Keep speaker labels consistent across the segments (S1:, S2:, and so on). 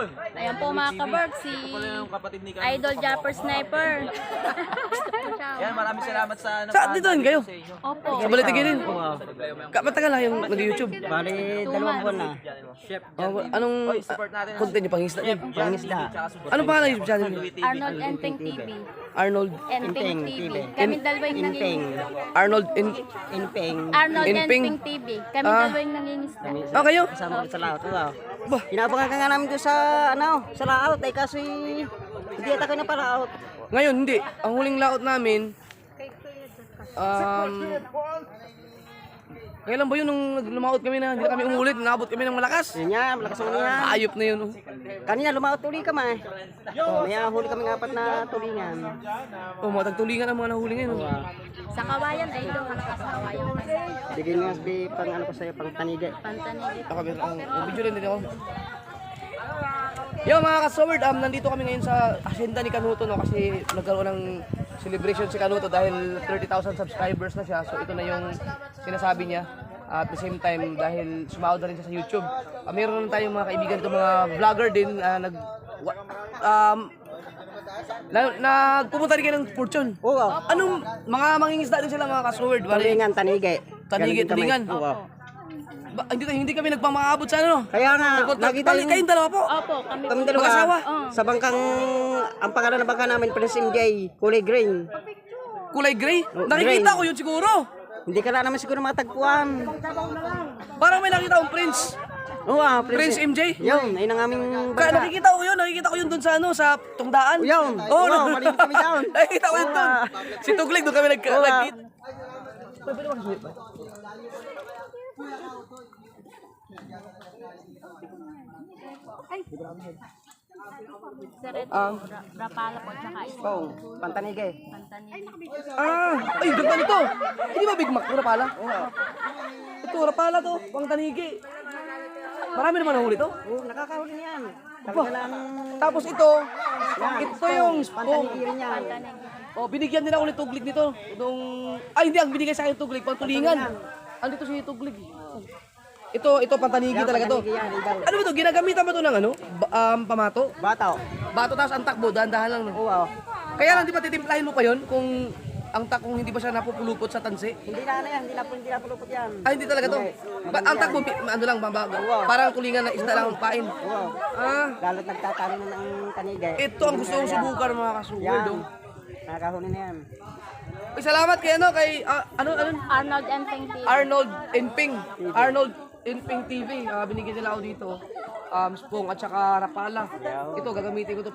S1: Yun.
S2: Ayan po mga kaberg, si Idol Japper Sniper.
S1: Yan, maraming salamat sa...
S3: Saan dito rin kayo?
S2: Opo.
S3: Sa Balitigin din? Matagal na yung nag-YouTube.
S4: Bali, 2 buwan na.
S1: Chef.
S3: Anong
S1: Support natin.
S3: content niyo? Pangisda niyo?
S4: Pangisda.
S3: Anong pangalan ng YouTube channel niyo?
S2: Arnold Enping TV.
S3: Arnold
S2: Enping TV. Kami dalawa yung
S4: Inpeng.
S2: nangingisda.
S3: Arnold
S4: Inpeng.
S2: Arnold
S3: Enping.
S2: Enping TV. Kami dalawa yung nangingisda.
S3: Ah, kayo?
S4: Kasama ko sa laot. Inabangan ka nga namin doon sa, sa laot. Ay kaso hindi ata ko na pa laot.
S3: Ngayon, hindi. Ang huling laot namin, kailan ba yun nung lumaot kami na hindi na kami umulit, naabot kami ng malakas?
S4: Yun yan, malakas mo niya.
S3: Ayop na yun. Oh.
S4: Kanina lumaot tuli ka ma. May huli kami ng 4 na tulingan.
S3: Oh, matagtulingan ang mga nahuli ngayon. Oh.
S2: Sa kawayan, Idol. Sa kawayan.
S4: Bigyan nga sabi pang ano ko sa'yo, pang tanige.
S2: Pantanigit.
S3: Ako, video rin din ako. Yo mga ka-sword, nandito kami ngayon sa asyenda ni Kanuto, no, kasi nagkaroon ng celebration si Kanuto dahil 30,000 subscribers na siya. So ito na yung sinasabi niya. At the same time, dahil sumahod na rin siya sa YouTube, meron na tayong mga kaibigan dito, mga vlogger din, nagpupunta rin kayo ng Fortune.
S4: Oo.
S3: Anong mga mangingisda din sila mga ka-sword?
S4: Tulingan, tanige.
S3: Tanige, tulingan.
S4: Oo.
S3: Hindi kami nagpamaabot sa ano.
S4: Kaya nga, nakita yung...
S3: Kayong dalawa po.
S2: Opo, kami
S4: Kami
S2: po.
S4: dalawa,
S3: Mag-asawa?
S4: sa bangkang, ang pangalan ng bangka namin, Prince MJ, kulay green.
S3: Kulay gray.
S4: Oh,
S3: Nakikita
S4: green.
S3: ko yun siguro.
S4: Hindi ka na naman siguro matagpuan.
S3: Parang may nakita akong Prince.
S4: Oo,
S3: Prince MJ.
S4: Yun, ayun ang aming
S3: Kaya
S4: bangka.
S3: nakikita ko yun dun sa ano, sa tungdaan.
S4: Yun.
S3: Oh,
S4: Oo, maliit kami down.
S3: Nakikita ko yun dun. Si Tuglig, doon kami nagkita.
S2: Sir, ito. Rapala po, tsaka isa.
S4: Oo, pantanige.
S2: Pantanigit.
S3: Ay, ganda nito. Hindi ba Big Mac? Ito, Rapala? Ito, Rapala to. Pang tanigi. Marami naman nahuli to.
S4: Oo, nakakahuli niyan.
S3: Aba.
S4: Talaga lang,
S3: Tapos ito yung spoon.
S4: pantanige rin yan.
S3: Oh, binigyan din ako ni Tuglig nito. Ay, hindi, ang binigay sa akin Tuglig, pang tulingan. Andito si Tuglig. Ito pantanigi talaga to.
S4: Pantanige yan, idaw.
S3: Ano ba to? Ginagamitan ba to ng ano? Pamato?
S4: Bataw.
S3: Bato tapos ang takbo, dahan-dahan lang. No?
S4: Oo.
S3: Kaya lang, di ba titimplahin mo pa yon kung ang takong hindi ba siya napupulupot sa tansi?
S4: Hindi na yan, hindi na pulupot yan.
S3: Ay, hindi talaga to. Ang takbo, ano lang, parang tulingan na isda lang ang pain.
S4: Oo.
S3: Ah,
S4: Lalo't nagtatalo na ng tanige.
S3: ito ang gusto kong subukan mga kasuward.
S4: Yan.
S3: Oh.
S4: Nakakahuli na yan.
S3: Ay, salamat kay ano, kay, ano,
S2: Arnold Enping TV.
S3: Arnold Enping. Arnold Enping TV. Binigyan nila ako dito. Spong at saka Rapala. Ito, gagamitin ko to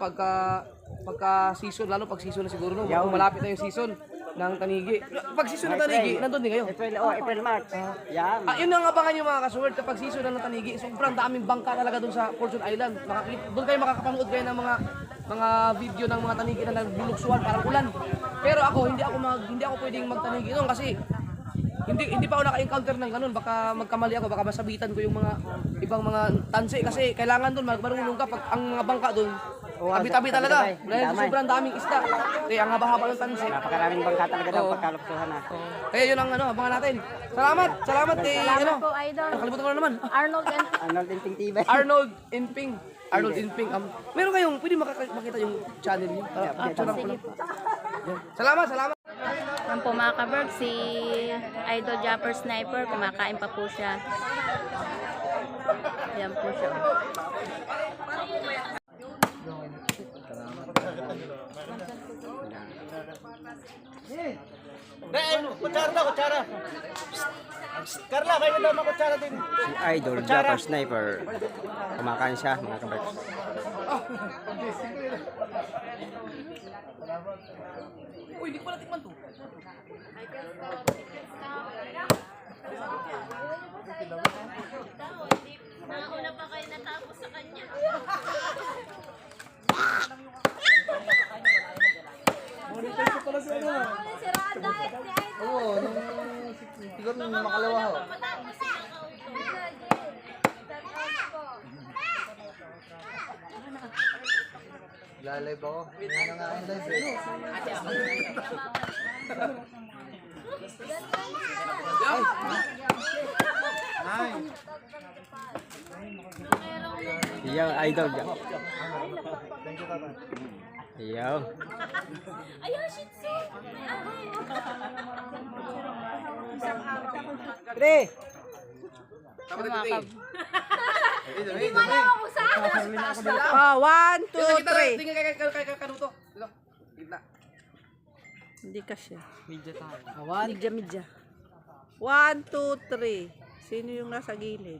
S3: pagka season, lalo pag season na siguro, no? Kung malapit na yung season ng tanigi. Pag season ng tanigi, nandun din kayo.
S4: April, March. Yan.
S3: Yun ang abangan nyo mga kasuward kapag season na ng tanigi. Sobrang daming bangka talaga dun sa Fortune Island. Doon kayo makakapanood kayo ng mga video ng mga tanigi na nagbuluksuan parang ulan. Pero ako hindi ako pwedeng magtanigi doon kasi hindi pa ako naka-encounter ng ganun. Baka magkamali ako, baka masabitan ko yung mga ibang mga tansi kasi kailangan doon marunong ka pag ang mga bangka doon. Tabi-tabi talaga. Dahil sobrang daming isda. Kaya ang haba-haba ng tansi.
S4: Napakaraming bangka talaga daw pagkalupsuhan na.
S3: Kaya yun ang abangan natin. Salamat eh,
S2: Salamat po, Idol.
S3: nakalimutan ko na naman.
S2: Arnold Enping.
S4: Arnold Enping TV.
S3: Arnold Enping. Meron kayong, pwede makita yung channel niyo?
S2: Sige po.
S3: Salamat.
S2: Yan po mga kaberg, si Idol Japper Sniper, kumakain pa po siya. Yan po siya.
S1: Kutsara. Carla, kayo daw makutsara din.
S4: Si Idol Japper Sniper. Kumakain siya, mga kaberks.
S3: Uy, hindi ko pala tikman to.
S2: Nauna pa kayo natapos sa kanya.
S1: Oo, siguro nung makalawa ho. Lalay ba ako? Hindi na nga ang live eh.
S4: Iyaw, idol dyan. Iyaw. Pre!
S5: Oh, 1, 2, 3.
S3: Tingnan kay Kanuto. Dito. Gitna.
S5: Hindi kasi.
S4: Awan.
S5: Midya. 1, 2, 3. Sino yung nasa gilid?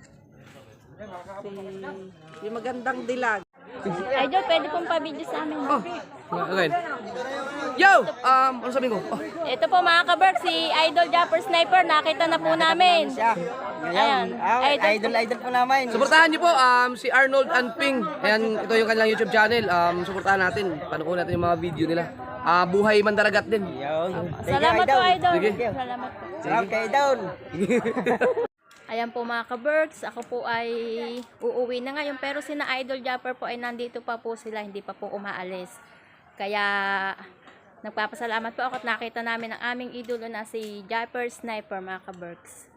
S5: Yung magandang dilag.
S2: Idol, pwede pong pa-video sa amin.
S3: Okay. Yo! Ano sabi ko? Oh.
S2: Ito po mga ka-Berks, si Idol Japper Sniper, nakita na po namin.
S4: Ngayon,
S2: Ayan.
S4: idol po namin.
S3: Suportahan niyo po si Arnold and Ping. Ayan, ito yung kanilang YouTube channel. Suportahan natin. Panoorin natin yung mga video nila. Buhay Mandaragat din.
S4: Iyaw.
S2: Salamat po, Idol.
S3: Sige.
S2: Salamat po.
S4: Salamat kay Idol.
S2: Ayan po mga ka-Berks, ako po ay uuwi na ngayon. Pero sina Idol Japper po ay nandito pa po sila, hindi pa po umaalis. Kaya nagpapasalamat po ako at nakita namin ang aming idolo na si Japper Sniper mga ka-Berks.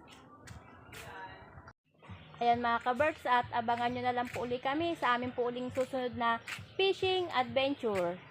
S2: Ayan mga ka-Berks, at abangan nyo na lang po uli kami sa aming po uling susunod na fishing adventure.